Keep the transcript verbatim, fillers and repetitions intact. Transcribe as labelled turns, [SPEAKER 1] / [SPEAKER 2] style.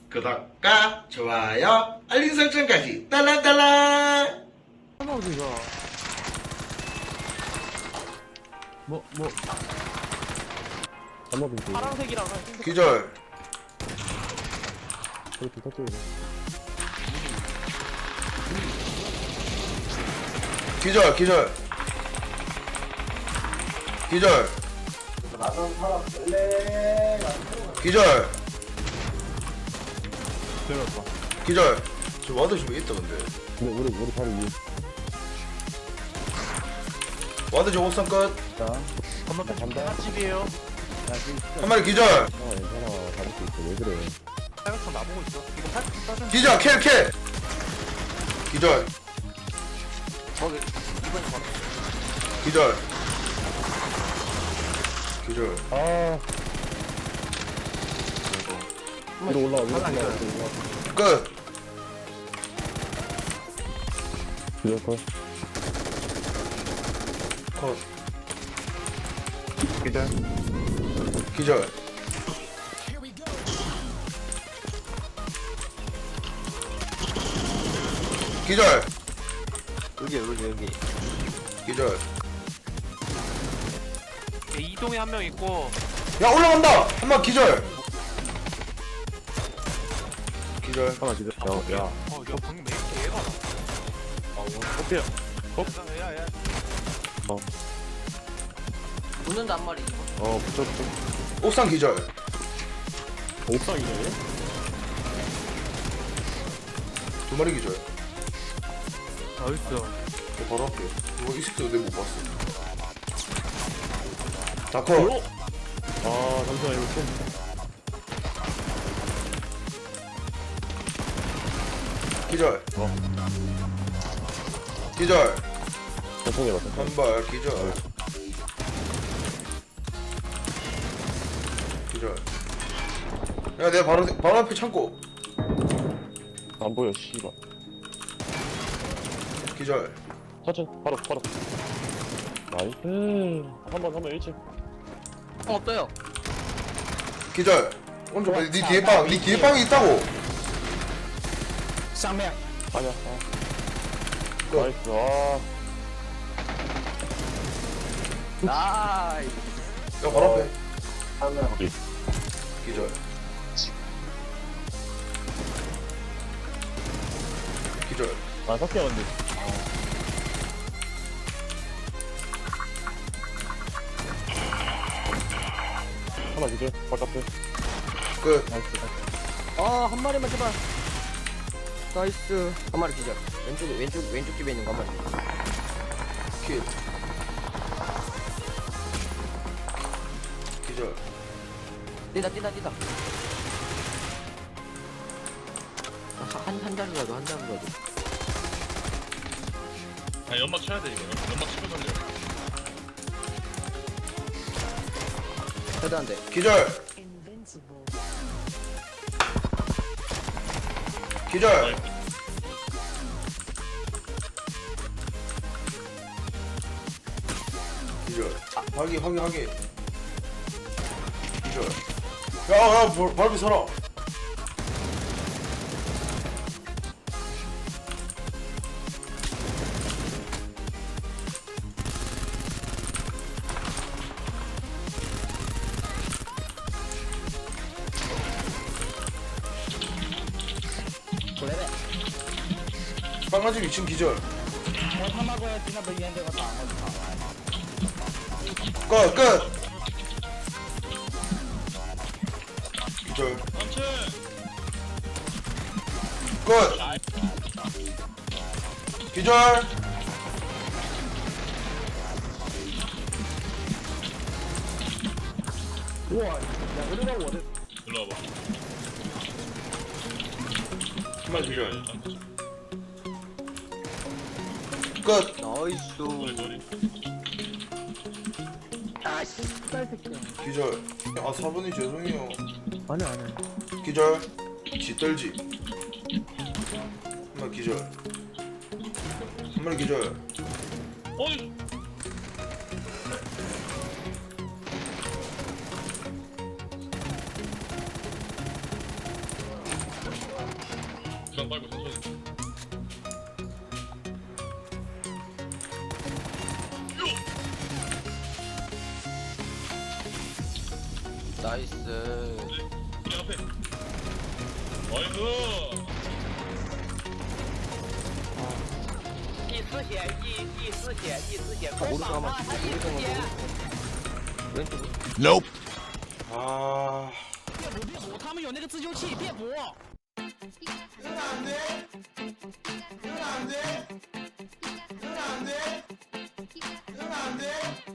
[SPEAKER 1] 구독과 좋아요, 알림 설정까지 딸랑딸랑.
[SPEAKER 2] 하나 어디가? 뭐, 뭐.
[SPEAKER 3] 잠깐만
[SPEAKER 2] 파란색이랑 흰색.
[SPEAKER 1] 기절.
[SPEAKER 3] 그렇게 터뜨려.
[SPEAKER 1] 기절 기절 기절 기절
[SPEAKER 2] 들었어.
[SPEAKER 1] 기절. 저 와드 좀 있다 근데.
[SPEAKER 3] 근데 우리 우리 바로 위에.
[SPEAKER 1] 와드 저 옥상 끝.
[SPEAKER 3] 자,
[SPEAKER 2] 건너편
[SPEAKER 3] 간다.
[SPEAKER 2] 집이에요.
[SPEAKER 3] 야 지금 진짜.
[SPEAKER 1] 한 마리 기절.
[SPEAKER 3] 어, 괜찮아. 잡을 수 있어. 왜 그래?
[SPEAKER 2] 빨간총 나보고 있어. 이거 팔 빠져.
[SPEAKER 1] 기절 킬 킬. 기절
[SPEAKER 2] 저기 이번에 봐.
[SPEAKER 1] 기절 기절.
[SPEAKER 3] 아. 위로 올라와. 위로 올라와.
[SPEAKER 2] 하나
[SPEAKER 3] 위로
[SPEAKER 2] 있어요.
[SPEAKER 3] 올라와.
[SPEAKER 1] 끝.
[SPEAKER 3] 위로 걸.
[SPEAKER 1] 컷.
[SPEAKER 2] 기절.
[SPEAKER 1] 기절. 기절
[SPEAKER 2] 여기 여기 여기.
[SPEAKER 1] 기절.
[SPEAKER 2] 이동에 한 명 있고.
[SPEAKER 1] 야 올라간다. 한 마리 기절. 기절.
[SPEAKER 3] 하나 기절. 야, 야.
[SPEAKER 2] 어, 야 방금 왜 이렇게 얘가 나?
[SPEAKER 3] 아, 어때요?
[SPEAKER 2] 야야야.
[SPEAKER 4] 붙는다 한 마리.
[SPEAKER 3] 어, 붙여 붙여.
[SPEAKER 1] 옥상 기절.
[SPEAKER 3] 옥상이네.
[SPEAKER 1] 두 마리 기절.
[SPEAKER 2] 나이스.
[SPEAKER 1] 어, 바로 앞에. 이거 이 새끼 내못 봤어. 다 컷.
[SPEAKER 3] 아, 잠시만 이거 좀.
[SPEAKER 1] 기절.
[SPEAKER 3] 어.
[SPEAKER 1] 기절.
[SPEAKER 3] 전통해 봤어.
[SPEAKER 1] 한 발 기절. 기절. 야 내가 바로 바로 앞에 창고.
[SPEAKER 3] 안 보여, 씨발.
[SPEAKER 1] 기절.
[SPEAKER 3] 천천히, 바로, 바로. 나이스. 한 번, 한 번, 일치.
[SPEAKER 4] 형 없어요.
[SPEAKER 1] 기절. 오른쪽 봐. 네 뒤에 빵. 네 뒤에 빵이 있다고.
[SPEAKER 4] 쌍매야.
[SPEAKER 3] 아니야. 아.
[SPEAKER 1] 끝.
[SPEAKER 3] 나이스. 아.
[SPEAKER 4] 나이.
[SPEAKER 1] 야 바로 앞에.
[SPEAKER 3] 여기.
[SPEAKER 1] 기절. 기절.
[SPEAKER 3] 아, 섞여, 근데. 하나 기절. 바깥에.
[SPEAKER 1] 끝.
[SPEAKER 3] 나이스.
[SPEAKER 4] 아, 한 마리만 제발. 나이스. 한 마리 기절. 왼쪽에 왼쪽 왼쪽 집에 있는 거 한 마리.
[SPEAKER 1] 킬. 기절.
[SPEAKER 4] 뛴다 뛴다 뛴다. 한한 자루라도 한 자루라도.
[SPEAKER 5] 아 연막 쳐야 돼 이거 연막 치고 살려.
[SPEAKER 4] 해도 안 돼.
[SPEAKER 1] 기절. 기절. 기절. 확인 확인 확인. 기절. 야야 발비 서라.
[SPEAKER 4] 레벨.
[SPEAKER 1] 빵가집 이 층 기절. 끝 끝. 기절. 끝. 기절.
[SPEAKER 5] 일로 와봐.
[SPEAKER 1] 정말 기절. 끝.
[SPEAKER 4] 나이스.
[SPEAKER 5] 머리 머리.
[SPEAKER 4] 아씨.
[SPEAKER 1] 기절. 아 사부님 죄송해요.
[SPEAKER 2] 아니 아니.
[SPEAKER 1] 기절. 지떨지. 한 마리 기절. 한 마리 기절.
[SPEAKER 5] 어이. 주장 빨고 천천히.
[SPEAKER 4] 나이스.
[SPEAKER 5] 우리 앞에. 아이고.
[SPEAKER 6] 第四血，第第四血，第四血，
[SPEAKER 4] 아,
[SPEAKER 6] 快
[SPEAKER 4] 오른쪽
[SPEAKER 6] 绑
[SPEAKER 4] 한번
[SPEAKER 6] 他，他第
[SPEAKER 4] 오른쪽
[SPEAKER 6] 四
[SPEAKER 4] 한번
[SPEAKER 6] 血。
[SPEAKER 4] 왼쪽.
[SPEAKER 1] Nope.
[SPEAKER 7] 아.
[SPEAKER 6] 别补别补，他们有那个自救器，别补。
[SPEAKER 1] 이건 안 돼. 이건 안 돼. 이건 안 돼. 이건 안 돼.